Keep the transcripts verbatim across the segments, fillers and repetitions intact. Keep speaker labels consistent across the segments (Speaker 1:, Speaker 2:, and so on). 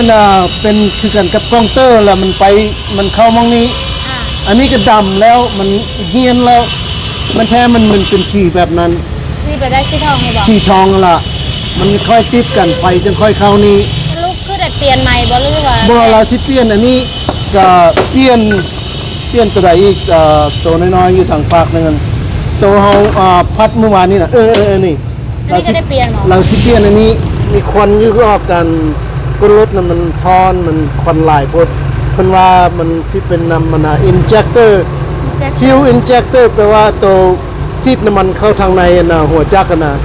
Speaker 1: น่ะเป็นคือกันกับกล้องเตอร์แล้วมันไปมันเข้ามองนี้อันนี้ก็ดำแล้วมันเฮียนแล้วมันแท้มันมันเป็นสีแบบนั้น
Speaker 2: สีไปได้สีทองไงบอก
Speaker 1: สีทองละมันค่อยติดกันไปจนค่อยเข้านี้
Speaker 2: ลูกคือได้เปลี่ยนใหม่บ่หรือว่า
Speaker 1: บ่เราสิเปลี่ยนอันนี้ก็เปลี่ยนเปลี่ยนตัวใดอีกเอ่อตัวน้อยๆอยู่ทางฝากนึงตัวเฮาอ่าพัดเมื่อวานนี้น่ะเออๆนี่
Speaker 2: เราสิได้เปลี่ยนหรอ
Speaker 1: เราสิเปลี่ยนอันนี้มีควันอยู่รอบกันก้นรถน่ะมันทอนมันควันหลายพดเพิ่นว่ามันสิเป็นนำมันน่ะ injector fuel injector แปลว่าตัวซีดน้ำมันเข้าทางในน่ะหัวจักรน่ะ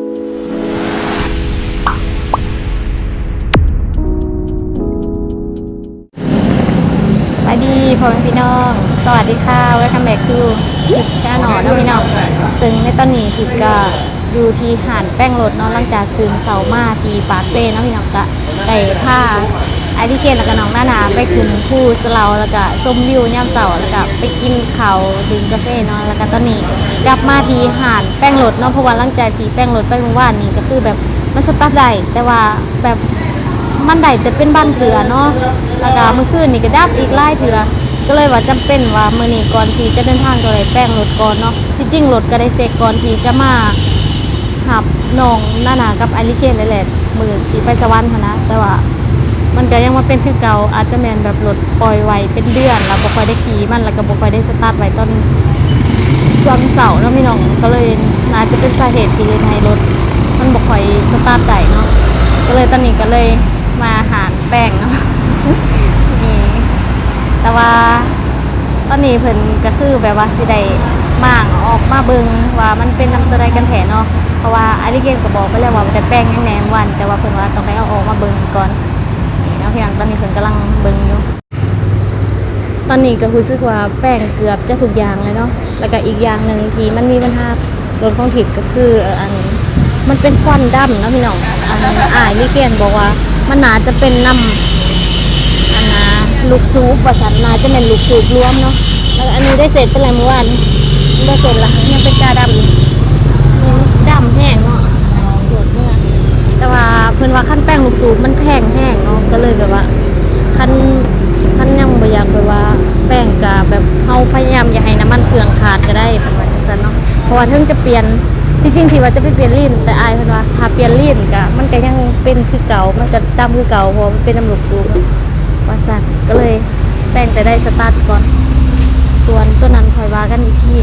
Speaker 2: สวัสดีพ่อแม่พี่น้องสวัสดีค่ะ Welcome back to คลิปชาแนลน้องพี่น้องซึ่งในตอนนี้คลิปก็อยู่ที่หาดแป้งรถเนาะหลังจากคืนเสาร์มาที่ปากเซ่เนาะพี่น้องก็ได้ผ้าไอที่เกณฑ์แล้วก็น้องหน้าหนาไปขึ้นผู้สลาแล้วก็ชมวิวย่ำเสาแล้วก็ไปกินข้าวดื่มกาแฟเนาะแล้วก็ตอนนี้กลับมาที่หาดแป้งรถเนาะเพราะว่าหลังจากที่แป้งรถไปเมื่อวานนี้ก็คือแบบมันสตาร์ทได้แต่ว่าแบบมันได้แต่เป็นบ้านเถื่อเนาะแล้วก็เมื่อคืนนี่ก็ดับอีกไล่เถื่อก็เลยว่าจำเป็นว่ามื้อนี้ก่อนที่จะเดินทางก็เลยแป้งรถก่อนเนาะที่จริงรถก็ได้เซ็กก่อนที่จะมาหับน้องหน้าหนากับไอริเคนเลยแหละมือที่ไปสวรรค์นะแต่ว่ามันก็ยังมาเป็นคือเก่าอาจจะแมนแบบรถปล่อยไว้เป็นเดือนแล้วบ่ค่อยได้ขี่มันแล้วก็บ่ค่อยได้สตาร์ทไว้ตอนช่วงเสาร์แล้วพี่น้องก็เลยน่าจะเป็นสาเหตุที่ให้รถมันบ่ค่อยสตาร์ทได้เนาะก็เลยตอนนี้ก็เลยมาหาแป้งเนาะนี่แต่ว่าตอนนี้เพิ่นก็คือแบบว่าสิได้ม่างออกมาเบิ่งว่ามันเป็นน้ำตัวใดกันแท้เนาะเพราะว่าไอริเกนก็บอกไปแล้วว่าได้แป้งยังแหนมวันแต่ว่าเพิ่นว่าต้องได้เอาออกมาเบิ่งก่อนนี่เนาะพี่น้องตอนนี้เพิ่นกำลังเบิ่งอยู่ตอนนี้ก็รู้สึกว่าแป้งเกือบจะทุกอย่างเลยเนาะแล้วก็อีกอย่างนึงที่มันมีปัญหารถของทิพย์ก็คืออันมันเป็นควันดำเนาะพี่น้องอันไอริเกนบอกว่ามันน่าจะเป็นน้ำอันนะลูกซูปว่าซั่นน่าจะเป็นลูกซูปรวมเนาะแล้วอันนี้ได้เสร็จเป็นไรเมื่อวานได้เสร็จละยังเป็นกาดำดำแห้งเนาะปวดเมื่อแต่ว่าเพิ่นว่าขั้นแป้งลูกสูบมันแพงแห้งเนาะก็เลยแบบว่าขั้นขั้นยังบ่อยากแบบว่าแป้งกะแบบเฮาพยายามอย่าให้น้ำมันเครื่องขาดก็ได้ประมาณนั้นเนาะเพราะว่าถึงจะเปลี่ยนจริงๆที่ว่าจะไปเปลี่ยนลิ้นแต่อายเพิ่นว่าถ้าเปลี่ยนลิ้นกะมันก็ยังเป็นคือเก่ามันจะดำคือเก่าเพราะมันเป็นน้ำลูกสูบว่าซั่นก็เลยแป้งแต่ได้สตาร์ทก่อนส่วนตัวนั้นคอยว่ากันอีกที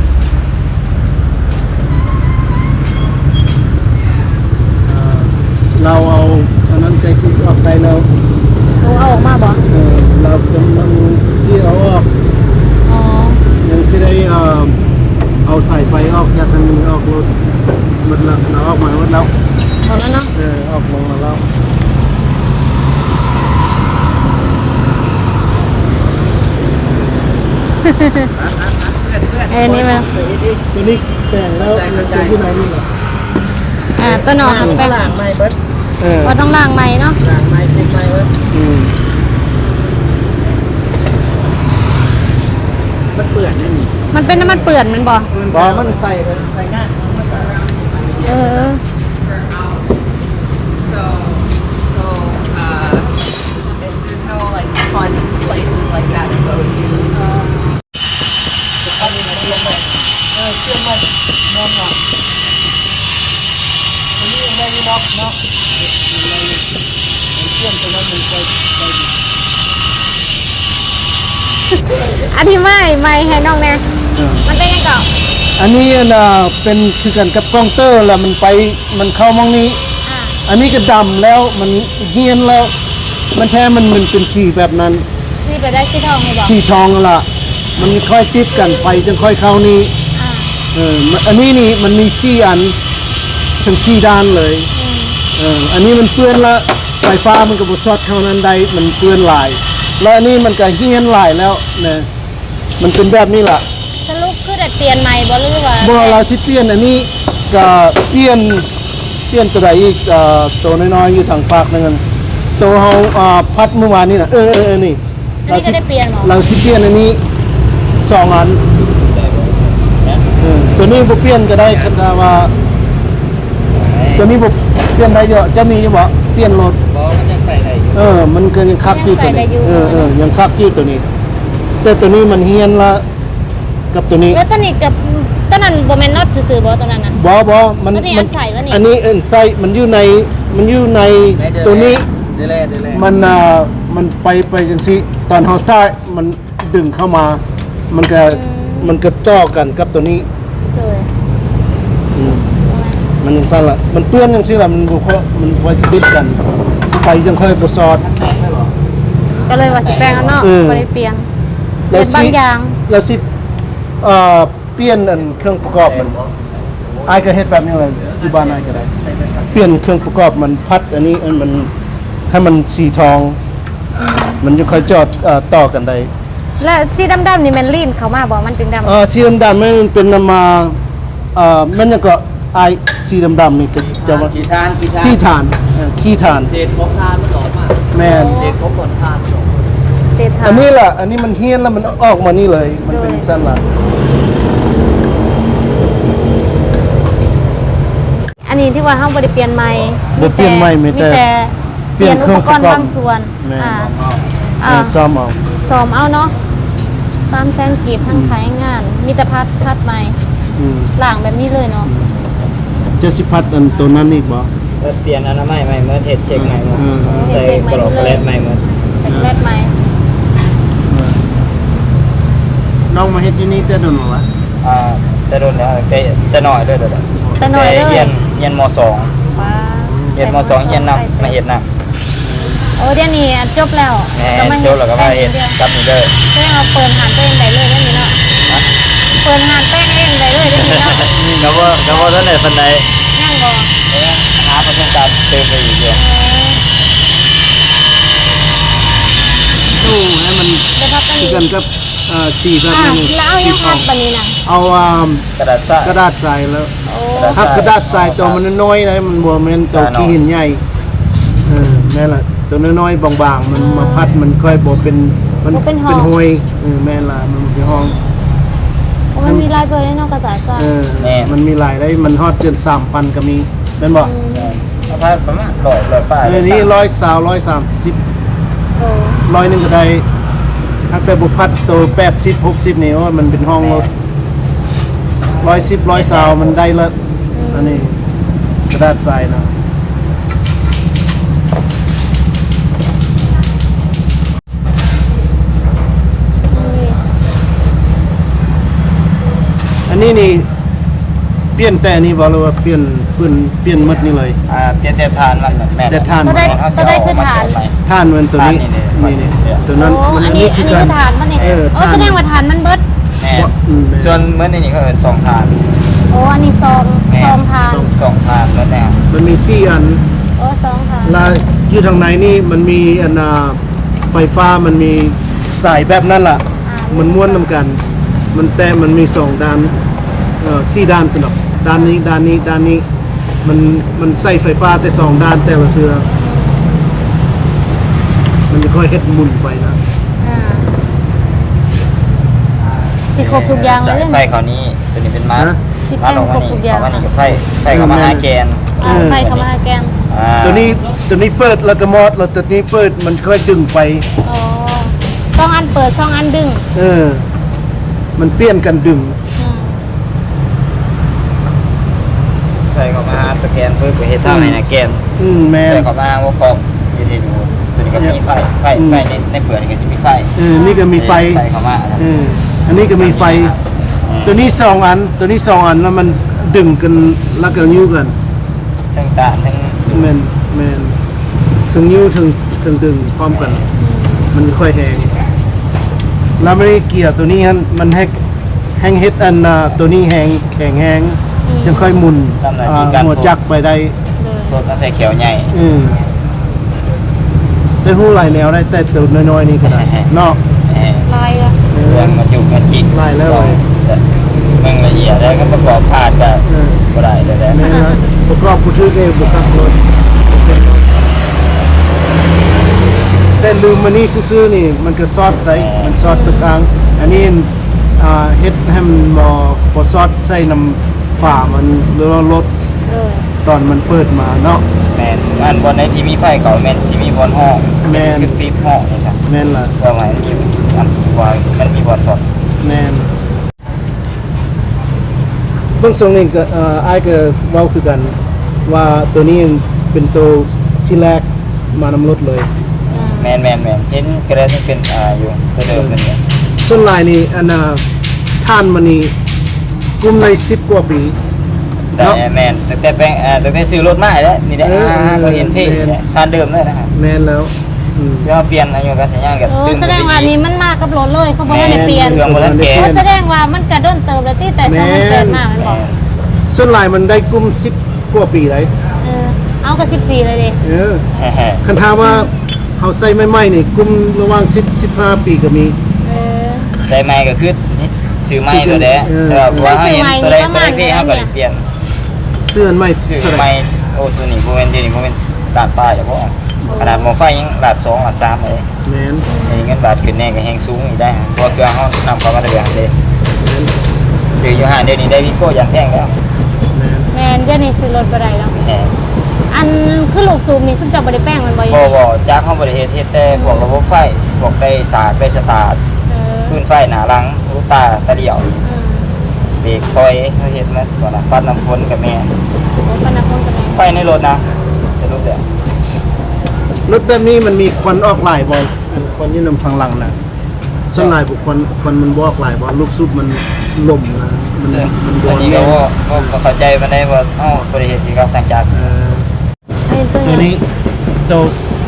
Speaker 1: เราเอาอันนั้นใจซีออกไปเรา
Speaker 2: เอาออกมาบ่
Speaker 1: เออเรากำลังซีเอาออก
Speaker 2: อ๋อ
Speaker 1: ยังซีได้เอ่อเอาสายไฟออกจากทางนี้ออกรถหมดแล้วเราออกมาหมดแล้ว
Speaker 2: หมดแล้วเนาะ
Speaker 1: เออออกลงมาแล้ว
Speaker 2: เอ้นี่มา
Speaker 1: ตัวนี้แต่งแล้วตัวที่ไหนนี่เหรอ
Speaker 2: อ่าตัวนอนแป้ง
Speaker 3: ล้างไม้เบิด
Speaker 2: ว่าต้องล้างไม้เนาะ
Speaker 3: ล้างไม้ติดไม้เบิดมันเปื่อนนี่
Speaker 2: มันเป็นน้ำมันเปื่อนมันบ่
Speaker 3: บ่มันใส่ใส่ง่าย
Speaker 2: เออ
Speaker 3: so so uh there's no like fun places like that to go toจะทำยังไงเรื่องมันเออเชื่อมันนอนหลับอันนี้ยังไม่ได้น็อกเนาะเชื่อมตรงนั้นมันไปไป
Speaker 2: อันที่ไม่ไม่ให้น้องแน่มันเป็นยังไงก่อน
Speaker 1: อันนี้น่ะเป็นคือกันกับกล้องเตอร์แล้วมันไปมันเข้ามองนี้อันนี้ก็ดำแล้วมันเฮียนแล้วมันแท้มันมันเป็นสีแบบนั้น
Speaker 2: สีไปได้สีทองไงบอก
Speaker 1: สีทองละมันค่อยติดกันไปจนค่อยเข้านี้เอออันนี้นี่มันมีสี่อันทั้งสี่ด้านเลยเอออันนี้มันเปื้อนละไฟฟ้ามันก็บดซอดเข้านั้นได้มันเปื้อนลายแล้วอันนี้มันก็เฮียนลายแล้วนะมันเป็นแบบนี้ล่ะ
Speaker 2: สรุปคือได้เปลี่ยนใหม่บ่หรือว่า
Speaker 1: บ่เราสิเปลี่ยนอันนี้ก็เปลี่ยนเปลี่ยนตัวใดอีกเอ่อตัวน้อยๆอยู่ทางฝากนึงตัวเฮาอ่าพัดเมื่อวานนี้น่ะเออๆนี่
Speaker 2: เราสิได้เปลี่ยนหรอ
Speaker 1: เราสิเปลี่ยนอันนี้สองอันเออตัวนี้บ่เปลี่ยนก็ได้คันว่าตัวนี้บ่เปลี่ยนได้เยอะจะมีอยู่บ่เปลี่ยนรถ
Speaker 3: บ่มันจะ
Speaker 4: ใส่ได้อยู่
Speaker 1: เออ มันก็ยังคักอยู่ตัว
Speaker 2: ยังใส่ได้
Speaker 1: นี้
Speaker 2: อยู่
Speaker 1: เออเออยังคักอยู่ตัวนี้ แต่ตัวนี้มันเฮียนละกับตัวนี้
Speaker 2: แล้วตัวนี้กับตัวนั้นบ่แม่นน็อตซื่อๆบ่ตัวนั้นน่ะ
Speaker 1: บอบอมัน
Speaker 2: ตัวนี้
Speaker 1: มั
Speaker 2: อันใส่วะนี่
Speaker 1: อันนี้เอ็นใส่มันอยู่ในมันอยู่ในตัวนี้
Speaker 4: เดยวแลเดยวแล
Speaker 1: มันอ่ามันไปไปจังซี่ตอนเฮาสตาร์ทมันดึงเข้ามา มันก็มันก็จ่อกันกับตัวนี้
Speaker 2: เลย
Speaker 1: อืมมันยังสั้นละมันเปื้อนจังซี่ล่ะมันบ่ค่อยมันไว้ติดกัน ไปจังค่อยบ่ซอด
Speaker 2: ก็เลยว่าสิแปลงเอาเนาะ
Speaker 1: เออ
Speaker 2: บ่ได้เปลี่ยนเป
Speaker 1: แล้
Speaker 2: ลี่
Speaker 1: วย
Speaker 2: น
Speaker 1: สิ
Speaker 2: บางอย่าง
Speaker 1: แล้วสิเอ่อเปลี่ยนอันเครื่องประกอบมันอายก็เฮ็ดแบบนี้เลยอยู่บ้านอายก็ได้ เปลี่ยนเครื่องประกอบมันพัดอันนี้อันมันให้มันสีทอง มันจะค่อยจอดเอ่อต่อกันได้
Speaker 2: แล้วสีดำๆนี่แม่นลีนเข้ามาบ่มันจึงดำ
Speaker 1: เอ่อสีดำๆมันเป็นนำมาเอ่อมันยังก็อายสีดำๆนี่ก็จะว่า
Speaker 4: กี่ทานกี่ทาน
Speaker 1: สีทานเอ่อขี้ทาน
Speaker 4: เศษของทานมันออกมา
Speaker 1: แม่น
Speaker 4: เศษของบนทานมันออกมา
Speaker 2: เศษทา
Speaker 1: อันนี้ล่ะ อันนี้มันเฮี้ยนแล้วมันออกมานี่เลย มันเป็นสั้นล่ะ
Speaker 2: อันนี้ที่ว่าเฮาบ่ได้เปลี่ยนใหม่
Speaker 1: บ่เปลี่ยนใหม่มีแต่
Speaker 2: เปลี่ยน
Speaker 1: เปลี่ยนเครื่
Speaker 2: อุ
Speaker 1: อง
Speaker 2: ปกรณ์
Speaker 1: ประกอบ
Speaker 2: บางส่วน
Speaker 1: แม่น
Speaker 2: อ่า
Speaker 1: เอ่
Speaker 2: อ่า
Speaker 1: อซ่อมเอา
Speaker 2: ซ้อมเอาเนาะสามแสนกีบทั้งขายงาน มีแต่พัดพัดใหม่
Speaker 1: อืม
Speaker 2: หลังแบบนี้เลยเนาะ
Speaker 1: จะสิพัดอันตัวนั้นอีกบ่
Speaker 4: เปลี่ยนอนามัยใหม่เมื่อเทศเช็คใหม่เมื่อ
Speaker 1: อืม
Speaker 4: ใส่กรอบแกลบใหม่เมื่อ
Speaker 2: เสร็จแรกไหม
Speaker 1: น้องมาเฮ็ดอยู่นี่แต่โดนบ่วะ
Speaker 4: อ่าจะโดนแล้วแต่จะหน่อยด้วยเด้อ
Speaker 2: แต่หน่อยเลย
Speaker 4: เรียนเรียนมสอง
Speaker 2: ว้า
Speaker 4: เรียนมสองเรียนนำมาเฮ็ดนำ
Speaker 2: โอ้เดี๋ยวนี้จบแล้ว
Speaker 4: แหม่
Speaker 2: มา
Speaker 4: โจแล้วก็มาเฮ็ดกับนี่เด้อ
Speaker 2: แป้งเราเปิดหานตัวเองได้เลยเดี๋ยวนี้เนาะเปิดหานแป้งเองได้เลยเดี๋ยวนี้เนาะ
Speaker 4: ก็บ่ก็บ่ทันได้ปานใด
Speaker 2: นั่งบ่
Speaker 4: หาประสบการณ์เติมไปอีกเด้อ
Speaker 1: ตู้ให้มัน
Speaker 2: จะพับกัน
Speaker 1: คือ
Speaker 2: อีก
Speaker 1: กันกับเอ่อสีแบบ
Speaker 2: อ่ะ
Speaker 1: นี้
Speaker 2: แล้วเอายังพับปันนี้นะ
Speaker 1: เอาอ่าก
Speaker 4: ระดาษซะ
Speaker 1: กระดาษทรายแล้ว
Speaker 2: โอ้
Speaker 1: ถ้ากระดาษทรายตัวมันน้อยๆนะมันบ่แม่นตัวขี้หินใหญ่เออนั่นแหละตัวน้อยๆบางๆมันมาพัดมันค่อยบ่เป็นมันเป็นห้อยเออแม่นล่ะมันเป็นห้อง
Speaker 2: โอ้มันมีลายเบอร์ได้เนอกกระดาษทราย
Speaker 1: เออมันมีหลายได้มันฮอดจนสามพันก็มีแม่นบ่
Speaker 4: เอาพาประมาณร้อยร้อยป้าย
Speaker 1: เออนี่ร้อยสาวร้อยสามสิบ
Speaker 2: โอ้
Speaker 1: ร้อยหนึงก็ได้ถ้าแต่บุพัดตัวแปดสิบหกสิบนี่ว่ามันเป็นห้องรถร้อยสิบร้อยสาวมันได้ละอันนี้กระดาษทรายนะอันนี้นี่เปลี่ยนแต่นี่บอกเลยว่าเปลี่ยนเปลี่ยนเปลี่ยนหมดนี่เลย
Speaker 4: อ่าเปลี่ยนแต่ทานมันแม่น
Speaker 1: แต่ทาน
Speaker 2: ก็ได้ก็ได้คือฐาน
Speaker 1: ท่านมันตัวนี้
Speaker 4: ท่านนี่
Speaker 1: นี่
Speaker 4: นี่
Speaker 1: นี่ตัวนั้น
Speaker 2: โอ้อันนี้อันนี้คือฐานมันนี่
Speaker 1: เออ
Speaker 2: โอ้
Speaker 1: ฐาน
Speaker 2: แสดงว่าฐานมันเบิด
Speaker 4: แม่
Speaker 1: อืม
Speaker 4: ส่วนเมื่อนี้เขาเอิ้นสองทาน
Speaker 2: โอ้อันนี้ซอง
Speaker 4: แม่
Speaker 2: ซองฐาน
Speaker 4: สองทานแล้วแน่
Speaker 1: มันมีสี่อัน
Speaker 2: โอ้ซองฐาน
Speaker 1: แล้วอยู่ทางไหนนี่มันมีอันน่ะไฟฟ้ามันมีสายแบบนั้นล่ะ
Speaker 2: อ่า
Speaker 1: มันม้วนนำกัน มันแต่มันมีสองด้านเอ่อสี่ด้านสนับด้านนี้ด้านนี้ด้านนี้ มันมันใส่ไฟฟ้าแต่สองด้านแต่ละเทือมันจะค่อยเฮ็ดหมุนไปนะ
Speaker 2: อ่าสิครบทุกอย่างเลย
Speaker 4: ไฟ
Speaker 2: เนี่ย
Speaker 4: เขานี้ตัวนี้เป็นมาร์
Speaker 1: นะ
Speaker 2: สิ
Speaker 4: มาร์ลง
Speaker 2: คร
Speaker 4: มา
Speaker 2: บทุ
Speaker 4: นี่
Speaker 2: กอย่าง
Speaker 4: เขามานี่กับไฟไฟเขามาหาแกน
Speaker 2: อ่าไฟเข้ามาแกง
Speaker 4: อ่า
Speaker 1: ตัวนี้ตัวนี้เปิดแล้วก็มอดแล้วตัวนี้เปิดมันค่อยดึงไป
Speaker 2: อ๋อซองอันเปิดซองอันดึง
Speaker 1: เออ มันเปลี่ยนกันดึง
Speaker 2: อืม
Speaker 4: ไฟเขามาหาตะแกนเพื่อไปเฮ็ดทางให้นะแกน
Speaker 1: อืมแม่
Speaker 4: ใส่
Speaker 1: น
Speaker 4: เขามาว่าของอยู่ที่ดูตัวนี้ก็มีไฟไฟไฟในในเปลือกนี่ก็สิมีไฟ
Speaker 1: เออนี่ก็มีไฟ
Speaker 4: ใส่เขามา
Speaker 1: เอออันนี้ก็มีไฟ ตัวนี้สองอัน ตัวนี้สองอันแล้วมันดึงกันแล้วก็ยิ้วกัน
Speaker 4: ทั้งตาทั้ง
Speaker 1: แมนแมนถึงยิ้วถึงถึงดึงพร้อมกัน มันค่อยแหงแล้วไม่ได้เกี่ยวตัวนี้ฮันมันแฮกแห้งเฮ็ดอันน่ะตัวนี้แหงแข็งแหงจึงค่อยหมุนอ่าหัวจักรไปได้
Speaker 4: รถมาใส่เขียวใหญ่
Speaker 1: อืมได้หู้หลายแนวได้แต่ตัวน้อยๆนี่ก็ได้เนาะ
Speaker 4: แหม
Speaker 2: ลายละ
Speaker 1: เอ
Speaker 4: เรื่
Speaker 1: อ
Speaker 4: องมันอยู่กันจิต
Speaker 1: ไล่แล้วเลย
Speaker 4: มึงละเอียดแล้วก็ประกอบพาดก็
Speaker 1: เออ
Speaker 4: บ่ได้เลยแหละ
Speaker 1: แม่นละประกอบผู้ถือเองบุคักรถแต่ลืมมันนี่ซื่อๆนี่มันก็ซอดได้มันซอดทุกครั้งอันนี้อ่าเฮ็ดให้มันบ่บ่ซอดใส่น้ำฝามันหรือว่ารถ
Speaker 2: เลย
Speaker 1: ตอนมันเปิดมาเนาะ
Speaker 4: แม่นอันบอลในที่มีไฟเก่าแม่นสิมีบอลห้อง
Speaker 1: แม่น
Speaker 4: คือฟีบห้องนี่ครับ
Speaker 1: แม่นล่ะ
Speaker 4: ว่าหมายมันมีอันสุดว่ามันมีบอลสด
Speaker 1: แม่นเบื้องทรงนี้ก็เอ่ออ้ายก็เว้าคือกัน ว่าตัวนี้เป็นตัวที่แรกมานำรถเลย
Speaker 4: แม่นแม่นแม่นเห็นกระดาษนี่เป็นอ่าอยู่ตัวเดิมนั่นเนี่ย
Speaker 1: ส่วนลายนี่อันน่ะท่านมันนี่กลุ่มในสิบกว่าปี
Speaker 4: แต่
Speaker 1: เนาะ
Speaker 4: แม่นแต่แต่แปลงอ่าแต่แต่ซื้อรถมาแล้วนี่ได้
Speaker 1: เออ
Speaker 4: อ่า
Speaker 1: เออ
Speaker 4: ก็เห็นเท่
Speaker 1: แม่น
Speaker 4: เนี่ยทานเดิมเลยนะครับ
Speaker 1: แม่นแล้วอืม
Speaker 4: เดี๋ยวเปลี่ยนอายุการสัญญาณกับ
Speaker 2: โอ้แสดงว่าอันนี้มันมากับรถเลยเขาบอกว่าได้เปลี่ยน
Speaker 4: เครื่องบ่ทันแก่
Speaker 2: โอ้แสดงว่ามันกระด้นเติมแล้วที่แต่สองมันเกิดมามันบอก
Speaker 1: ส่วนลายมันได้กลุ่มสิบกว่าปีเลย
Speaker 2: เออเอากับสิบสี่เลยดิ
Speaker 1: เออ
Speaker 4: แฮ่
Speaker 1: คันถามว่าเฮาใส่ใหม่ๆนี่กลุ่มระหว่างสิบ สิบห้าปีก็มี
Speaker 2: เออ
Speaker 4: ๆใส่ไม้ก็คือซื้อไม้ตัวเด้
Speaker 1: เออ
Speaker 4: แต่ว่าเห็นตัวใดตัวใดที่เฮาก็
Speaker 2: เนี่ย
Speaker 4: เปลี่ยน
Speaker 1: เสื้ออันใหม่
Speaker 4: ซื้อ
Speaker 1: เท่าไหร่
Speaker 4: ไม้โอ้ตัวนี้บ่แม่นเดี๋ยวนี้บ่แม่นลาดป้ายเฉพาะขนาดหม้อไฟยังลาดสองลาดสามเลย
Speaker 1: แม่น
Speaker 4: อันนี้เงินบาทขึ้นแน่ก็แฮงสูงอีกได้ฮะเพราะว่าเครื่องเฮานำเข้ามาแต่เดือนเด้
Speaker 1: แม่น
Speaker 4: ซื้ออยู่ห้างเดี๋ยวนี้ได้วิโก้ยันแพงแล้ว
Speaker 1: แม่น
Speaker 2: แมนเดี๋ยวนี้ซื้อรถบ่ได้แล้ว
Speaker 4: แหม
Speaker 2: อันคือลูกซูมนี่ซุมเจับบ่ได้แป้งมันบ่อยู่
Speaker 4: บ่บ่จากเฮาบ่ได้เฮ็ดเฮ็ดแต่พวกระบบไฟพวกได้สากได้สตาร์ท
Speaker 2: เออ
Speaker 4: พื้นไฟหน้าหลังลูกตาตะเดี่ยว
Speaker 2: อืม
Speaker 4: เบรกคอยเขาเห็นมันก่อนนะปัดน้ำฝนกับแม่
Speaker 2: โอ้ปานนักคนกันแม่
Speaker 4: ไฟในรถนะสรุปเดี๋ยว
Speaker 1: รถแบบนี้มันมีควันออกหลายบ่อันควันที่นำทางหลังน่ะส่วนหลายบุคคลควันมันบ่ออกหลายบ่ลูกซุปมันล่มนะมันมันโด
Speaker 4: อัน
Speaker 1: น
Speaker 4: นี้ก็ว่าก็เข้าใจมันได้ว่าเอ้าบริเหตุที่เขาสั่งจาก
Speaker 1: เอ่อ
Speaker 2: อันนี้ตัว
Speaker 1: ตัว
Speaker 2: นี้
Speaker 1: นี้ตัว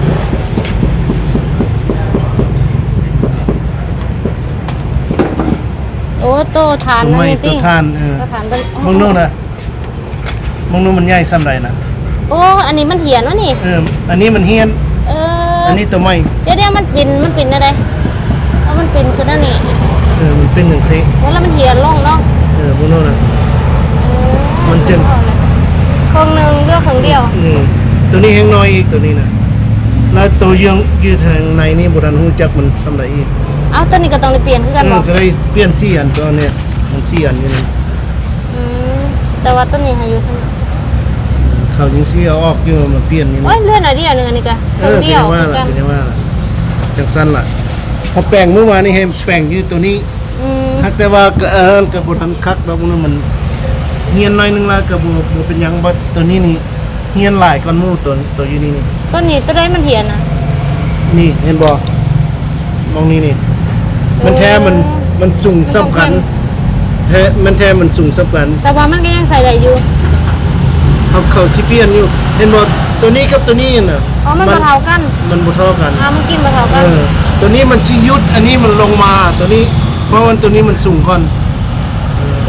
Speaker 2: โอ้โตทาน
Speaker 1: ตัว
Speaker 2: นั่น
Speaker 1: ไม้
Speaker 2: นี่
Speaker 1: ตั
Speaker 2: ติ
Speaker 1: วทานเออ
Speaker 2: ตัวทานตัว
Speaker 1: มองนู่นน่ะมองนู่นมันใหญ่ซ้ำใดนะ
Speaker 2: โอ้อันนี้มันเหียนวะนี่
Speaker 1: เอออันนี้มันเฮียน
Speaker 2: เออ
Speaker 1: อันนี้ตัวไม้
Speaker 2: เดี๋ยวเดี๋ยวมันปิ่นมันปิ่นอะไรแล้วมันปิ่นคือนั่นนี่
Speaker 1: เออมันเป็นหนึ่งซิ
Speaker 2: แล้วมันเหียนลงเนาะ
Speaker 1: เออมองนู่นน่ะ
Speaker 2: เออ
Speaker 1: มันจะ
Speaker 2: เครื่องหนึงเลือกเครื่องเดียว
Speaker 1: อืมตัวนี้แห้งน้อยอีกตัวนี้นะแล้วตัวยืงยืดทางในนี่โบราณหูจักมันซ้ำใดอีก
Speaker 2: เอาตัวนี้ก็ต้องได้เปลี่ยนคือกัน
Speaker 1: เอ
Speaker 2: บ่
Speaker 1: อก็ได้เปลี่ยนสี่อันตัวเนี่ยมันสี่อันอยู่นี่
Speaker 2: อืมแต่ว่าตัวนี้ให้อยู่เท่านั้น
Speaker 1: เขายิงซี่เอาออกอยู่มาเปลี่ยนนี่
Speaker 2: โอ้ยเลื่อนหน่อยเดียวหนึงอันนี้ก็เค
Speaker 1: เอ
Speaker 2: รื่อง
Speaker 1: อ
Speaker 2: เดี
Speaker 1: เป็
Speaker 2: ย
Speaker 1: น
Speaker 2: ว
Speaker 1: ว่า
Speaker 2: คือ
Speaker 1: ล่ะ
Speaker 2: กัน
Speaker 1: เป็นว่าล่ะจังสั้นล่ะพอแปลงเมื่อวานนี่ให้แปลงอยู่ตัวนี้
Speaker 2: อืม
Speaker 1: ฮักแต่ว่าก็เออกับบทันคักแล้วมันมันเฮียนหน้อยนึงละกับบ่เป็นหยังบ่ตัวนี้นี่เฮียนหลายก่อนหมู่ตัวตัวอยู่นี่นี่
Speaker 2: ตัวนี้ตัวใดมันเหียนน่ะ
Speaker 1: นี่เห็นบ่มองนี่นี่มันแท้มันมันสูงสํคัญแท้มันแท้มันสูงสํคัญ
Speaker 2: แต่ว่ามันก็ยังใส่ได้อยู่
Speaker 1: เอาเขาสิเปลี่ยนอยู่เห็นบ่ตัวนี้กับตัวนี้น่ะ
Speaker 2: อ๋อมันบ่เท่ากัน
Speaker 1: มันบ่เท่ากัน
Speaker 2: อ่ามันกินบ่เท่า
Speaker 1: เอ
Speaker 2: กัน
Speaker 1: อตัวนี้มันสิยุดอันนี้มันลงมาตัวนี้ เพราะว่าตัวนี้มันสูงก่อน
Speaker 2: โอเค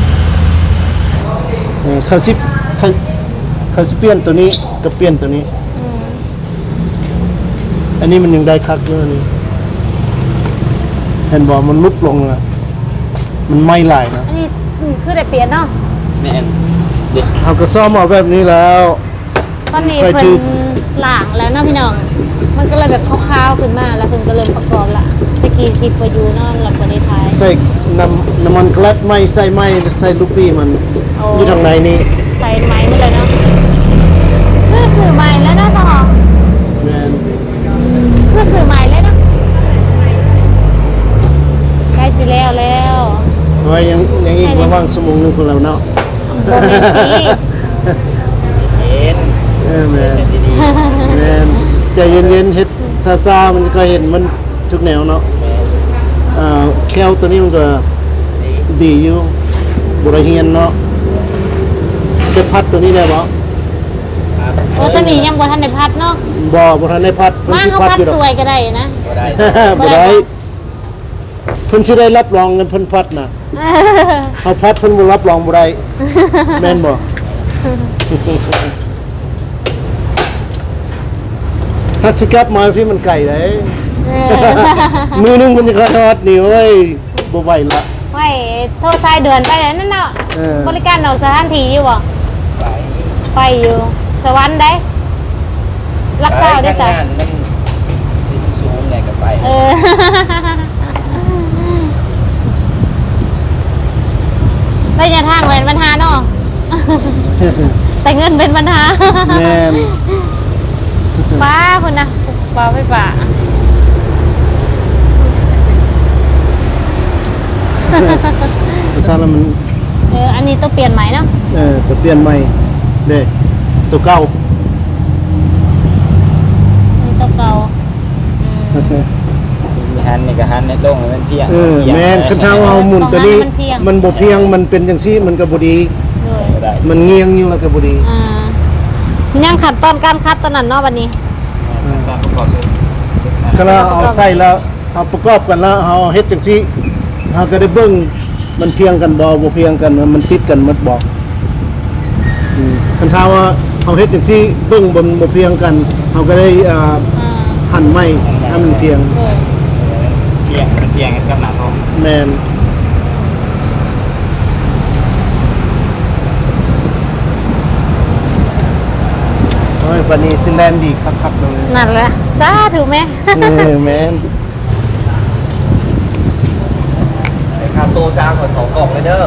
Speaker 1: เออเขาสิเขาเขาสิเปลี่ยนตัวนี้กับเปลี่ยนตัวนี้
Speaker 2: อืม
Speaker 1: อันนี้มันยังได้คักอยู่อันนี้เห็นบ่มันลุบลงนะมันไหม้หลายนะ
Speaker 2: อันนี้อืมคือได้เปลี่ยนเนาะ
Speaker 4: แม่นเด็ก
Speaker 1: เขาก็ซ่อมเอาแบบนี้แล้ว
Speaker 2: ตอนนี้
Speaker 1: ไป
Speaker 2: เพิ่
Speaker 1: จื
Speaker 2: น
Speaker 1: ด
Speaker 2: หลางแล้วเนาะพี่น้อง มันก็เลยแบบคร่าวๆขึ้นมาแล้วเพิ่นก็เริ่มประกอบละตะกี้คลิปว่าอยู่เนาะแล้วก็ได้ถ่าย
Speaker 1: ใส่น้ำน้ำมันกลัดไหม้ใส่ไหม้ใส่ลูกปี้มัน
Speaker 2: โอ้
Speaker 1: อยู่ทางในนี่
Speaker 2: ใส่ไม้มาเลยเนาะคือสื่อใหม่แล้วเนาะสหอ
Speaker 1: แม่น
Speaker 2: คือสื่อใหม่เลยเนาะใกล้สิแล้วแล้ว
Speaker 1: เพราะว่ายังยังอีกระหว่างชั่วโมงหนึงคนเราเนาะ
Speaker 2: บ่แม่นสิ
Speaker 4: เห็น
Speaker 1: เออแม่น
Speaker 4: ดี
Speaker 1: แม่นใจเย็นๆเฮ็ดซาๆมันก็เห็นมันทุกแนวเนาะอ่าแควตัวนี้มันก็ดีอยู่บ่ได้เฮียนเนาะได้พัดตัวนี้ได้บ่
Speaker 2: โอ้ตอนนี้ยังบ่ทันได้พัดเนาะ
Speaker 1: บ่บ่ทันได้พัดเพิ่น
Speaker 2: มา
Speaker 1: สิ
Speaker 2: เขา
Speaker 1: พัด
Speaker 2: พัด
Speaker 1: อยู่ด
Speaker 2: ส
Speaker 1: อก
Speaker 2: วยก็ได้นะ
Speaker 4: บ่ได้
Speaker 1: บ่ได้เพิ่นสิได้รับรองเงินเพิ่นพัดน่ะเฮาพัดเพิ่นบ่รับรองบ่ได้แม่นบ่ ทักสิกลับมาพี่มันไก่ได้
Speaker 2: เออ
Speaker 1: มือหนึงมันจะขอทอดนี่เว้ยบ่ไหวละ
Speaker 2: ไว้โทรสายเดือนไปเลยนั่นเนาะ
Speaker 1: เออ
Speaker 2: บริการเอาสถานที่อยู่บ่
Speaker 4: ไป
Speaker 2: ไปอยู่ สวรรค์ได้ รักษาได้ซะ
Speaker 4: ทำงานมันสิสูงๆเลยก็ไป
Speaker 2: เออ ระยะทางแหวนปัญหาเนาะแต่เงินเป็นปัญหา
Speaker 1: แม่น
Speaker 2: ป้าคนนะป้าไปป่า
Speaker 1: ซาแล้วมัน
Speaker 2: เอออันนี้ต้องเปลี่ยนใหม่เนาะ
Speaker 1: เออตัวเปลี่ยนใหม่เด้ตัวเก่า
Speaker 2: อันนี้ต้องเก่าอืม
Speaker 4: มีหันนี่ก็หันในลงให้มันเพียง
Speaker 1: เออแม่นคันเท้าเอาหมุนตัวนี้
Speaker 2: มันเพียง
Speaker 1: มันบ่เพียงมันเป็นจังซี่มันก็บ่ดี
Speaker 2: ด้วย
Speaker 4: ก็ได้
Speaker 1: มันเงียงอยู่แล้วก็บ่ดี
Speaker 2: อ่ายังขัดตอนการคัดตอนนั้นเนาะวันนี้
Speaker 4: การประกอบเสร็จ
Speaker 1: ก็เราเอาใส่แล้วเอาประกอบกันแล้วเอาเฮ็ดจังซี่เฮาก็ได้เบิ่งมันเพียงกันบ่บ่เพียงกันมันติดกันหมดบ่อืมคันเท้าว่าเฮาเฮ็ดจังซี่เบิ่งบ่บ่เพียงกันเฮาก็ได้อ่า
Speaker 2: อ่า
Speaker 1: หั่นไม้ให้มันเพียง
Speaker 2: ด้วย
Speaker 4: เพียงมันเพียงกันกับหน้าท้อง
Speaker 1: แม่นโอ้ยวันนี้สิแลนดีคักๆเลย
Speaker 2: นั่นแหละซาถูกไหม
Speaker 1: เออแม่น
Speaker 4: ไอ้คาโตซาขอถอกล่องเลยเด้อ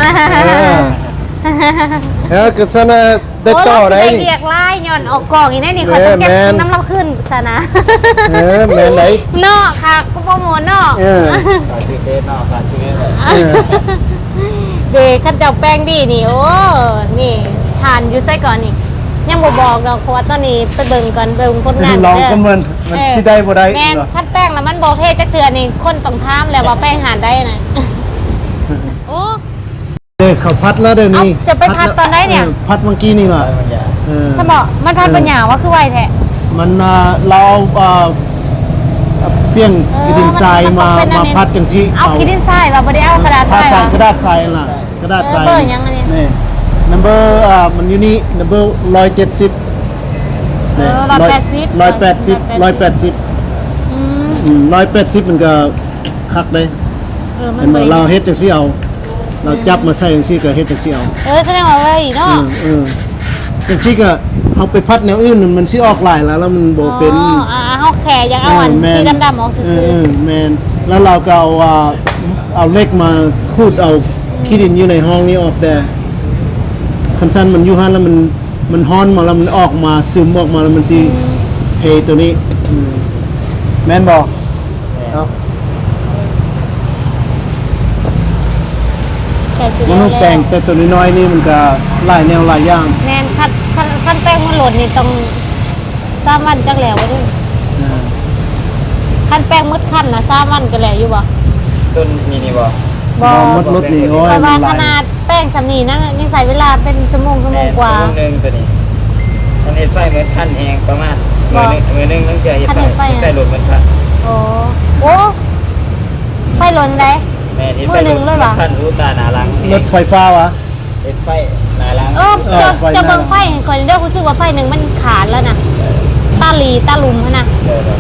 Speaker 1: เออก็ซะนะได้ต่อได้
Speaker 2: โยเราสิ
Speaker 1: นี่
Speaker 2: เรียกไล่ย้อนออกกล่องอีกแน่นี่คอยต้องเก็บ
Speaker 1: แม่น
Speaker 2: น้ำเราขึ้นซะนะ
Speaker 1: เออแม่นไหน
Speaker 2: เนาะค่ะก็โปรโมทเนาะ
Speaker 1: เออ
Speaker 4: ฝากซื้อเฟซเนาะฝากซื้อเลย
Speaker 1: เออ
Speaker 2: เด็กขันเจ้าแป้งดีนี่โอ้นี่ทานอยู่ไส้ก่อนนี่ยังบ่บอกดอกเพราะว่าตอนนี้ไปเบิ่งก่อนเบิ่งผลงาน
Speaker 1: ลอง
Speaker 2: เด้
Speaker 1: ก็มันมันสิได้บ่ได้
Speaker 2: แม่น
Speaker 1: เหรอ
Speaker 2: คัดแป้งแล้วมันบ่เท่จักเทื่อนี่คนต้องถามแล้วว่าแป้งหานได้น่ะโอ้
Speaker 1: เด้เขาพัดแล้วเดี๋ยวนี้
Speaker 2: เอ้าจะไปพัดตอนไหนเนี่ย
Speaker 1: ออพัดเมื่อกี้นี่ล่ะ
Speaker 4: มันอย่า
Speaker 1: เออ
Speaker 2: สมอมันพัดปัญญาว่าคือไวแท้
Speaker 1: มันอ่าเราเอาอ่าเอาเปี้ยง
Speaker 2: เออ
Speaker 1: กระดินทราย
Speaker 2: มัน
Speaker 1: มา
Speaker 2: ต้องเป็นอัน
Speaker 1: มา
Speaker 2: นี้
Speaker 1: พัดจังซี่
Speaker 2: เอาคิดดินทรายว่าบ่ได้เอากระดาษท
Speaker 1: พั
Speaker 2: รา
Speaker 1: ด
Speaker 2: ย
Speaker 1: ใส่
Speaker 2: เหรอก
Speaker 1: ระดาษทรายล่ะกระดาษทราย
Speaker 2: เออเบอร์ยังอันนี้
Speaker 1: นี่ number อ่ามันอยู่นี่ number หนึ่งร้อยเจ็ดสิบ
Speaker 2: เออร้อยแปดสิบ
Speaker 1: ร้อยแปดสิบร้อยแปดสิบ
Speaker 2: อืม
Speaker 1: อืมร้อยแปดสิบมันก็คักเลย
Speaker 2: เออมั
Speaker 1: เห็
Speaker 2: น
Speaker 1: น
Speaker 2: บ่
Speaker 1: บ่
Speaker 2: ได้
Speaker 1: เราเฮ็ดจังซี่เอา เราจับมาใส่จังซี่ก็เฮ็ดจังซี่เอา
Speaker 2: เออแสดงว่าไว้เนาะ
Speaker 1: เออเออจังซี่ก็เอาไปพัดแนวอื่นมันสิออกหลายแล้วแล้วมันบ่เป็น
Speaker 2: อ๋ออ่าเฮาแขยังเอาอัน
Speaker 1: แม่น
Speaker 2: สีดำๆออกซื่
Speaker 1: เอ
Speaker 2: อ
Speaker 1: อเออแม่นแล้วเราก็เอาอ่าเอาเหล็กมาขูดเอาขี้ดินอยู่ในห้องนี้ออกแต่คันซั่นมันอยู่หั่นแล้วมันมันฮ้อนมาแล้วมันออกมาซึมออกมาแล้วมันสิเฮตัวนี้อืมแม่นบ่เอ้า
Speaker 2: ๆแต่สิ
Speaker 1: มันต้องแปลงแต่ตัวน้อยๆนี่มันก็หลายแนวหลายอย่าง
Speaker 2: แม่นคันคันคันแป้งมันหล่นนี่ต้องสามวันจักแล้วบ่ดู
Speaker 1: อ่า
Speaker 2: คันแป้งมืดคันน่ะสามวันก็แล้วอยู่บ่
Speaker 4: ต้นนี่นี่บ่
Speaker 2: บ่
Speaker 1: มดรถนี่โอ้ย
Speaker 2: เพราะว่า
Speaker 1: มันห
Speaker 2: ข
Speaker 1: ลาย
Speaker 2: นาดแป้งสำนีนั่นนี่ใส่เวลาเป็นชั่วโมงชั่วโมงกว่า
Speaker 4: ชั่วโมงหนึงตัวนี้มันเฮ็ดไฟเหมือนขั้นแหงประมาณ
Speaker 2: บ่
Speaker 4: มือหนึงมือหนึงต้องเจอเฮ็ด
Speaker 2: ขั้นเฮ็ดไฟ
Speaker 4: ไฟ
Speaker 2: อะ
Speaker 4: ไฟหลุดมันพัน
Speaker 2: โอ้โอ้ไฟหล่นได้
Speaker 4: แม่เฮ็ด
Speaker 2: มื
Speaker 4: ไฟ
Speaker 2: อหนึ่งเลยเหรอ
Speaker 4: ขั้นรู้ตาหนาหลัง
Speaker 1: รถไฟฟ้าวะ
Speaker 4: เฮ็ดไฟหนาหลัง
Speaker 2: เออจะ
Speaker 1: เออไฟ
Speaker 2: จะเบิ่ง
Speaker 1: หน้า
Speaker 2: ไฟให้ก่อนเด้อรู้สึกว่าไฟหนึงมันขาดแล้วน่ะตาหลีตาหลุมหั่นน่ะ
Speaker 4: เดี๋ยวเดี๋ยว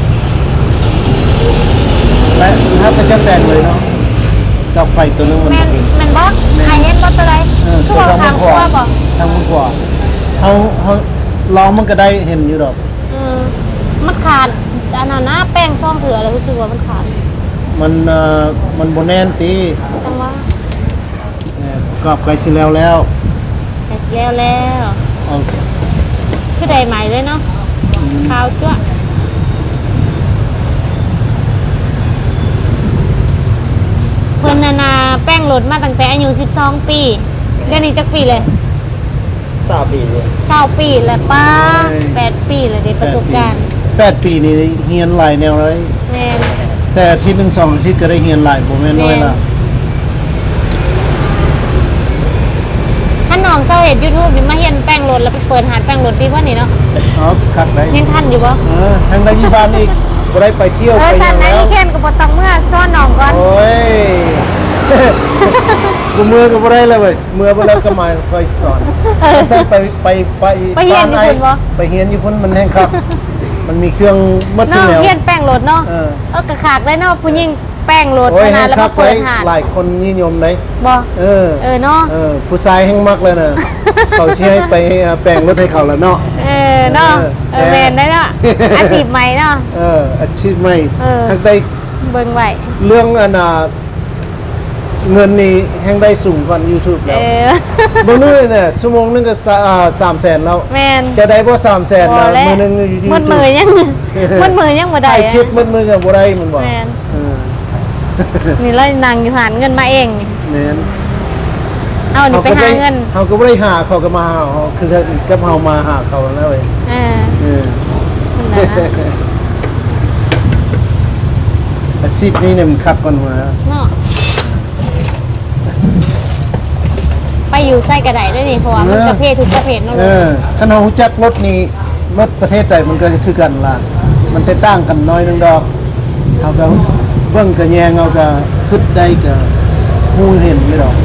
Speaker 1: และถ้าจะแปลงเลยเนาะกับไฟตัวนึงมัน
Speaker 2: แม่น
Speaker 1: เป็น
Speaker 2: แม่นบ่หายเห็นบ่ตัวใด
Speaker 1: เออ
Speaker 2: คือว่าทางครัวบ่
Speaker 1: ทางมันกว่าเขาเขาล้อมันก็ได้เห็นอยู่ดอก
Speaker 2: เออมันขาดอันนั้นนะแป้งซ่อมเถื่อแล้วรู้สึกว่ามันขาด
Speaker 1: มันเอ่อมันโบแน่นตี
Speaker 2: จังว่า
Speaker 1: เนี่ยกรอบไก่สิแล้วแล้ว
Speaker 2: แต่สิแล้วแล้ว
Speaker 1: เอา
Speaker 2: คือได้ใหม่เลยเนาะขาวจ้วะเพิ่นนานาแป้งหลดมาตั้งแต่อายุสิบสองปีเดี๋ยวนี้จักปีเลย
Speaker 4: ทราบดีเลย
Speaker 2: เศร้าปีแล้วป้าแปดปีแล้วได้ประสบการณ์
Speaker 1: แปดปีนี่เฮียนหลายแนวเลย
Speaker 2: แม่น
Speaker 1: แต่อาทิตย์หนึ่งสองอาทิตย์ก็ได้เฮียนหลายโบแม่นน้อยละ
Speaker 2: ท่านน้องเศร้าเห็น YouTube นี่มาเห็นแป้งหลดแล้วไปเปิดหาดแป้งหลดดีกว่านี่เนาะ
Speaker 1: อ๋อคักได้
Speaker 2: ยังทันอยู่บ่
Speaker 1: เออทางได้ยี่บ้านอีกบ่ได้ไปเที่ยว
Speaker 2: เอ
Speaker 1: ไป
Speaker 2: อ
Speaker 1: ห
Speaker 2: สั
Speaker 1: ยั
Speaker 2: น
Speaker 1: ง
Speaker 2: นะ
Speaker 1: แล้ว
Speaker 2: อีแคนก็บ่ต้องเมื่อซ้อนน้องก่อน
Speaker 1: โอ้ย กูมือก็บ่ได้เลยเว้ยมือบ่แล้วก็มาไปสอนใส่ไปไปไป
Speaker 2: ไปเฮียนอยู่พุ่นบ่
Speaker 1: ไปเฮียนอยู่พุ่นมันแห้งครับ มันมีเครื่องมัดทุ
Speaker 2: เนาะ
Speaker 1: กแนว
Speaker 2: เฮียนแป้งหลดเนาะ
Speaker 1: เออ
Speaker 2: เออกระขากได้เนาะผู้หญิงแป้งโหลด
Speaker 1: โอ้ย
Speaker 2: ขนา
Speaker 1: แห้
Speaker 2: ด
Speaker 1: ง
Speaker 2: แล้ว
Speaker 1: ครั
Speaker 2: มา
Speaker 1: บ
Speaker 2: เปิ
Speaker 1: เล
Speaker 2: ด
Speaker 1: ย
Speaker 2: หาด
Speaker 1: หลายคนนิยมเลย
Speaker 2: บ่
Speaker 1: เออ
Speaker 2: เออเนาะ
Speaker 1: เออผู้ชายแห้งมากเลยนะเขาสิให้ไปแปลงรถให้เขาแล้วเนาะ
Speaker 2: เออเนาะ
Speaker 1: เออ
Speaker 2: เออแมนได้เนาะอาชีพใหม่เนาะ
Speaker 1: เอออาชีพใหม่
Speaker 2: เออ
Speaker 1: ทั้งได้
Speaker 2: เบิ่งไว้
Speaker 1: เรื่องอันน่ะเงินนี่แห้งได้สูงกว่า YouTube
Speaker 2: เอ
Speaker 1: แล้ว
Speaker 2: อ
Speaker 1: บางมื้อเนี่ยชั่วโมงนึงก็สาอ่าสามแสนแล้ว
Speaker 2: แมน
Speaker 1: จะได้บ่สามแสน
Speaker 2: บ่
Speaker 1: นะ
Speaker 2: แล้ว
Speaker 1: มื้อนึงอยู่ที่
Speaker 2: มืดมือยังมืดมือยังบ่ได้
Speaker 1: ถ่าย
Speaker 2: อะ
Speaker 1: คลิปมืดมือก็บ่ได้มันบอก
Speaker 2: แม่น
Speaker 1: เออ
Speaker 2: นี่เลยนางอยู่หาเงินมาเองนี่
Speaker 1: แม่น
Speaker 2: เอานี่ไปหาเงิน
Speaker 1: เขาก็บ่ได้หาเขาก็มาหาเขาคือกับเฮามาหาเขาแล้วเว้ย
Speaker 2: เออ
Speaker 1: เออ
Speaker 2: นั่นนะ
Speaker 1: อาชีพนี้เนี่ยมันคักก่อนหัว
Speaker 2: เนาะไปอยู่ไส้กระไดด้วยนี่เพราะว่ามันประเภททุกประเภทเนาะ
Speaker 1: เอ
Speaker 2: ลูก
Speaker 1: อถ้าเรารู้จักรถนี้รถประเทศใดมันก็จะคือกันล่ะมันแตกต่างกันน้อยนึงดอกเขาก็เบิ่งก็แยงเอาก็คิดได้ก็ฮู้เห็นไม่ดอก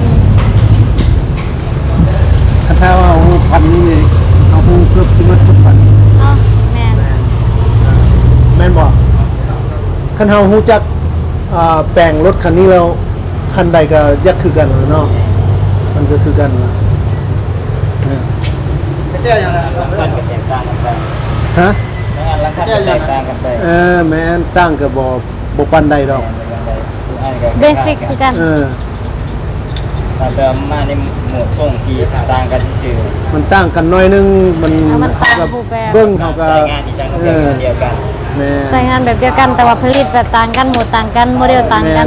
Speaker 1: ถ้าถ้าว่าเอาพันนี่นี่เอาฮู้เกือบสิหมดทุกพัน
Speaker 2: เนาะแม่น
Speaker 1: แม่นบอกคันเฮาฮู้จักอ่าแปลงรถคันนี้แล้วคันใดก็ยักคือกันเนาะมันก็คือกันล่ะเออ
Speaker 4: ก็เจ้าอย่างนั้นราคาก็แตกต่างกันไป
Speaker 1: ฮะ
Speaker 4: ไม่งั้นราคาก็แตกต่างกันไป
Speaker 1: เออแม่นตั้งก็บ่บ่ปานใดดอก
Speaker 2: เบสิกคือกัน
Speaker 1: เออ
Speaker 4: แต่แบบมาในหมวดส่งที่ต่างกันที่ซื่อ
Speaker 1: มันตั้งกันน้อยนึงมัน
Speaker 2: เอามันต่าง
Speaker 1: เฮาก็
Speaker 2: รูปแบบ
Speaker 1: เบิ่งเฮาก็
Speaker 4: ใช้งานที่จังก็
Speaker 1: เอ
Speaker 4: เป็น
Speaker 1: อ
Speaker 4: เดียวกัน
Speaker 1: แม่
Speaker 2: ใช้งานแบบเดียวกันแต่ว่าผลิตแบบต่างกันหมดต่างกันโมเดลต่างกัน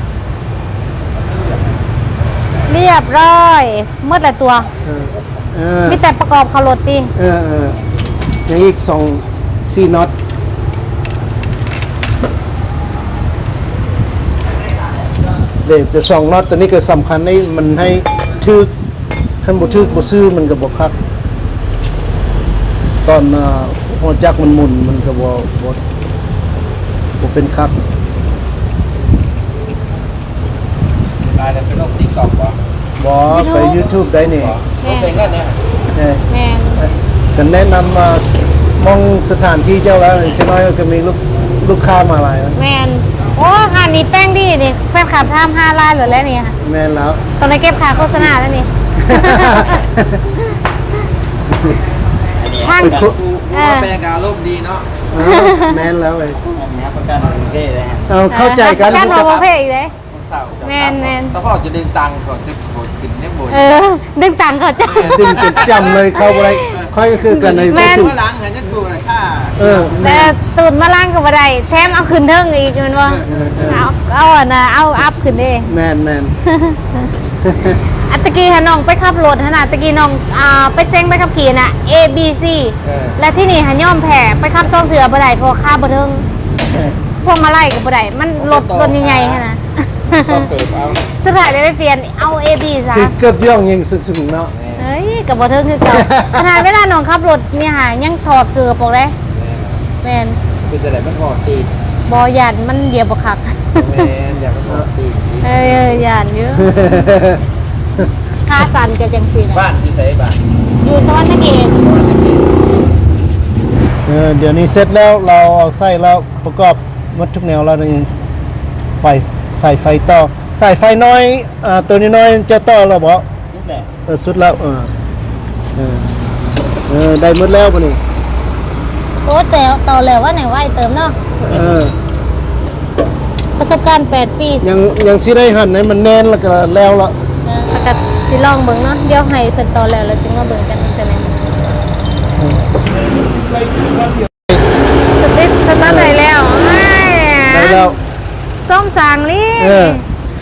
Speaker 2: เรียบร้อยหมดหลายตัว
Speaker 1: เออเออ
Speaker 2: มีแต่ประกอบเขารถติ
Speaker 1: เออเอออย่างอีกสองสี่น็อตเดี๋ยวจะสองน็อตตัวนี้ก็สำคัญให้มันให้ทึกคันบ่ทึกบ่ซื้อมันก็บ่คัก ตอนอ่าหัวจักรมันหมุนมันก็บ่บ่บ่เป็นคัก
Speaker 5: กลายเป็นโรคติ๊กต็อกป่ะ
Speaker 1: บ่ไป YouTube ได้นี่
Speaker 5: โรคเป็นกันเนี่ย
Speaker 1: เออ
Speaker 2: แม่น
Speaker 1: ก็แนะนำมามองสถานที่เจ้าแล้วจะน้อยก็มีลูกลูกค้ามาหลายแล้ว
Speaker 2: แม่นโอ้หานี้แป้งดีนี่แฟนคลับทำห้าล้านเหลือแล้วนี่ค่ะ
Speaker 1: แม่นแล้ว
Speaker 2: ตอนนี้เก็บค่าโฆษณาแล้วนี่ ทาง
Speaker 1: ไปคุ
Speaker 5: กูกูว่าแปลงการโรคดีเนาะ
Speaker 1: เออแม่นแล้วเลย
Speaker 4: อันนี้ประกันประเทศเลยฮะ
Speaker 1: เอาเข้าใจกัน
Speaker 2: การรอประเภทอีกเลย
Speaker 5: คนเศร้าจะ
Speaker 2: แม่นแม่น
Speaker 5: ถ้าพ่อจะดึงตังค์ก่อนจะโกรธขึ้นยังบ่น
Speaker 2: เออ ดึงตังค์เขาจ้ะ
Speaker 1: ดึงจนจำเลยเข้าอะไรค่อยก็คือกันใน
Speaker 2: แม่น
Speaker 1: ถูก
Speaker 5: เมื่อหลังเห็นยังกูเลยค่า
Speaker 1: เออ
Speaker 2: แต่
Speaker 1: แม่
Speaker 2: ตูดมาล่างกับอะไรแถมเอาขึ้นเทิงอีกแมันว่าเอาเอาอ่ะนะเอาอัพขึ้นดิ
Speaker 1: แม่นแม่น
Speaker 2: อันตะกี้ฮะน้องไปขับรถฮะนะตะกี้น้องอ่าไปเซ็งไปขับขี่น่ะ A B C
Speaker 5: เออ
Speaker 2: และที่นี่ฮะย่อมแผ่ไปขับซ่อมเถื่อบ่ได้เพราะค่าบ่เทิงพวกมาไล่กับบ่ได้มันรถรถใหญ่ๆฮะนะ
Speaker 5: ต้องเติมเอา
Speaker 2: สุดท้ายได้ไปเปลี่ยนเอา A B ซะ
Speaker 1: คือเกือบย่องยิงสึกๆเนาะ
Speaker 2: เฮ้ยกับบ่เทิงคือเก่าขนาดเวลาน้องขับรถเนี่ยฮะยังถอดเกือบปอกเลยแม่น
Speaker 5: คือจะไหนมันหอดตีน
Speaker 2: บ่ยันมันเหยียบบ่คัก
Speaker 5: แม่นอย่ามันหอดตีน
Speaker 2: เอ้ยยันอยู่ค่าสั่นก็จังซี่น่ะ
Speaker 5: บ้านที่ใส่บ้าน
Speaker 2: อยู่สวรรค์เขต
Speaker 5: บ้านตะกี้
Speaker 1: เออเดี๋ยวนี้เสร็จแล้วเราเอาไส้แล้วประกอบหมดทุกแนวแล้วนี่ไฟใส่ไฟต่อใส่ไฟน้อยอ่าตัวนี้น้อยจะต่อแล้วบ่
Speaker 4: ทุกแหละ
Speaker 1: เออสุดแล้วเออเออเออได้หมดแล้วป่ะนี่
Speaker 2: โอ้แต่ต่อแล้วว่าไหนว่าไอ้เติมเนาะ
Speaker 1: เออ
Speaker 2: ประสบการณ์แปดปี
Speaker 1: ยังยังสิได้หั่นให้มันแน่นแล้วก็แล้วละ
Speaker 2: เออแล้วก็สิลองเบิ่งเนาะเดี๋ยวให้เพิ่นต่อแล้วแล้วจึงมาเบิ่งกันอีกเทื่อหนึงสติ๊กสตาร์ทได้แล้วอ้าย
Speaker 1: ได้แล้ว
Speaker 2: ส้มสางลี่
Speaker 1: เออ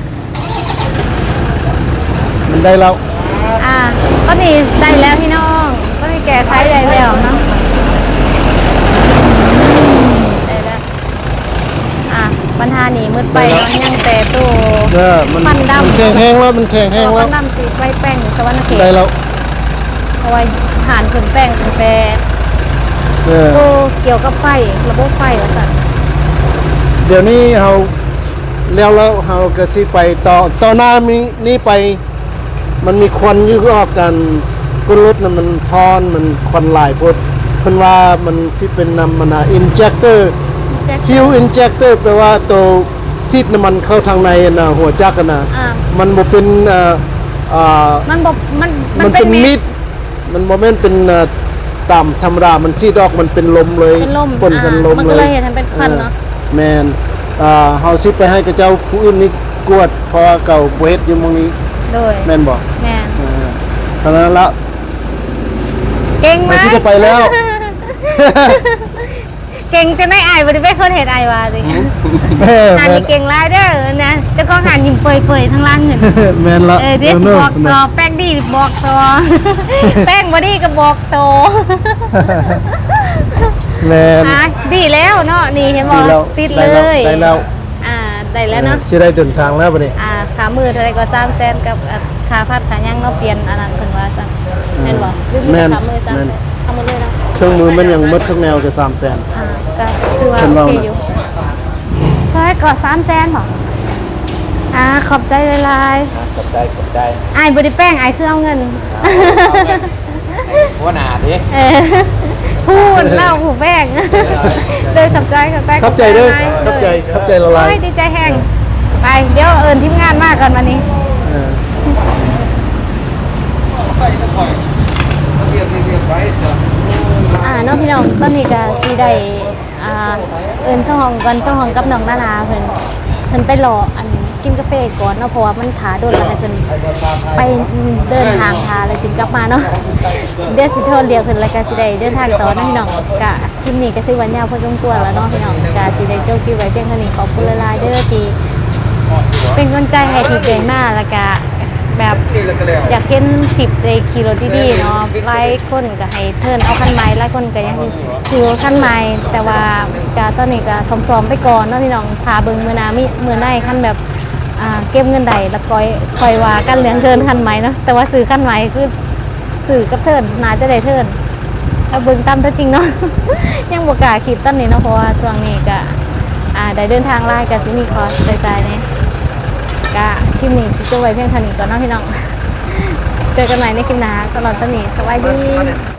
Speaker 1: มันได้แล้ว
Speaker 2: อ่าก็นี่ได้แล้วพี่น้องก็นี่แก่ใช้ได้แล้วเนาะได้แล้วอ่ะปัญหานี้มืดไปมันยังแต่ตู้
Speaker 1: เออมัน
Speaker 2: มันดำ
Speaker 1: มันแข็งแห้งแล้วมันแข็งแห้ง
Speaker 2: เพ
Speaker 1: แล้
Speaker 2: ราะ
Speaker 1: ว
Speaker 2: ว่าน้ำสีไฟแป้งสวรรค์เขต
Speaker 1: ได้แล้ว
Speaker 2: เอาไว้ผ่านขึ้นแป้งขึ้นแปร
Speaker 1: เออ
Speaker 2: ตัวเกี่ยวกับไฟระบบไฟว่าสั่น
Speaker 1: เดี๋ยวนี้เราแล้วแล้วเราก็สิไปต่อต่อหน้านี้นี่ไป มันมีควันอยู่ออกกันก้นรถน่ะมันทอนมันควันหลายพดเพิ่นว่ามันสิเป็นนำมันน่ะ injector
Speaker 2: แจ็ค
Speaker 1: fuel injector แปลว่าตัวซีดน้ำมันเข้าทางในน่ะหัวจักรน่ะ
Speaker 2: อ่า
Speaker 1: มันบ่เป็นเอ่ออ่า
Speaker 2: มันบอกมัน
Speaker 1: มันเป็นมิดมันโมเมนต์เป็นเอ่อต่ำธรรมดา มันซีดอกมันเป็นลมเลย
Speaker 2: เป็นลม
Speaker 1: ปนกัน
Speaker 2: อ่า
Speaker 1: ลม
Speaker 2: มัน
Speaker 1: เล
Speaker 2: ก็
Speaker 1: ย
Speaker 2: เลยเห็นมันเป็นควันเนาะ
Speaker 1: ออแมนอ่าเฮาซิไปให้กับเจ้าผู้อื่นนี่กวดเพราะว่าเก่าเวทอยู่หมองนี้
Speaker 2: โดย
Speaker 1: แม่นบอก
Speaker 2: แม่น
Speaker 1: เออตอนนั้นละ
Speaker 2: เก่งไหม
Speaker 1: ไม่ใช่จะไปแล้ว
Speaker 2: เก่งจะไม่อายบ่ได้เป็นคนเฮ็ดอายว่าสิ
Speaker 1: เออ
Speaker 2: อัน
Speaker 1: แม่
Speaker 2: นี้
Speaker 1: น
Speaker 2: เก่งหลายเด้อนะเจ้าของหันยิ้มเปื่อยๆทั้งล่างเงิน
Speaker 1: แม่นละ
Speaker 2: เออเดี๋ยวสิบอก
Speaker 1: เน
Speaker 2: ต่อ
Speaker 1: อะ
Speaker 2: แป้งดีบอกต่อ แป้งบ่ดีก็บอกต่อ
Speaker 1: แม่น
Speaker 2: อ่ะดีแล้วเนาะนี่เห็นบ่
Speaker 1: ดีแล้ว
Speaker 2: ติด
Speaker 1: ได้
Speaker 2: เล
Speaker 1: แล้ว
Speaker 2: ย
Speaker 1: ได้แล้ว
Speaker 2: อ่าได้แล้วเนาะ
Speaker 1: สิได้เดินทางแล้วบัดนี้
Speaker 2: อ่าขามือเท่าไหร่ก็สามแสนกับอ่าขาพัดขายังเนาะเปลี่ยนอันนั้นเพิ่นว่าซั่นแม่นบ่หรือมี
Speaker 1: แม่น
Speaker 2: ขามือจ้ะ
Speaker 1: แม่น
Speaker 2: เอาหมดเลยเนาะ
Speaker 1: เครื่องมือมันยังหมดทุกแนวก็สามแสน
Speaker 2: อ่าก็คือว่า
Speaker 1: เพิ่น
Speaker 2: โอ
Speaker 1: ว่า
Speaker 2: เค
Speaker 1: น่ะ
Speaker 2: อยู่ก็ให้ก็สามแสนบ่อ่าขอบใจหลายๆ
Speaker 5: กดได้กดได้
Speaker 2: อายบริแป้งอายคือเอาเงิน
Speaker 5: หัวหน้าดิ
Speaker 2: เออพูดเล่าผูแป้งเลยขับใจขับใจ
Speaker 1: เข้าใจเด้อ
Speaker 2: หลาย
Speaker 1: เข้าใจเข้าใจละลาย
Speaker 2: โอ้ยดีใจแห้งไปเดี๋ยวเอิญทีมงานมากก่อนวันนี้
Speaker 1: เออ
Speaker 5: ไปก็ปล่อยเรียบเรียบไว้จ้ะ
Speaker 2: อ่าน้องพี่น้องตอนนี้ก็สีได้อ่าเอิญช่องห้องก่อนช่องห้องกับน้องนานาเพิ่นเพิ่นไปรออันกินกาแฟก่อนเนาะเพราะว่ามันถาโดนแล้วให้เพิ่นไปเดินทางทาแล้วจึงกลับมาเนาะเดี๋ยวสิโทรเรียกเพิ่นแล้วก็สิได้เดินทางต่อนะพี่น้องกะคลิปนี้ก็ถือว่ายาวพอสมควรแล้วเนาะพี่น้องกะสิได้จบคลิปไว้เพียงเท่านี้ขอบคุณหลายๆเด้อที่เป็นกำลังใจให้ทีมเก่งมากแล้วก็แบบอยากเห็นคลิปในขี่รถดีๆเนาะหลายคนก็ให้เทิร์นเอาคันใหม่หลายคนก็ยังซื้อคันใหม่แต่ว่าก็ตอนนี้ก็ซ้อมๆไปก่อนเนาะพี่น้องพาเบิ่งมื้อหน้ามีมื้อหน้าคันแบบอ่าเก็บเงินใดแล้วก็คอยว่ากันเรื่องเทิร์นคันใหม่เนาะแต่ว่าซื้อคันใหม่คือซื้อกับเทิร์นน่าจะได้เทิร์นถ้าเบิ่งตามตัวจริงเนาะ ยังบ่กล้าคิดตอนนี้เนาะเพราะว่าช่วงนี้ก็อ่าได้เดินทางหลายก็สิมีคอร์สจ่ายๆเนี่ย ก็คลิปนี้สิจบไว้เพียงเท่านี้ก่อนเนาะพี่น้อง เจอกันใหม่ในคลิปหน้าสำหรับตอนนี้สวัสดี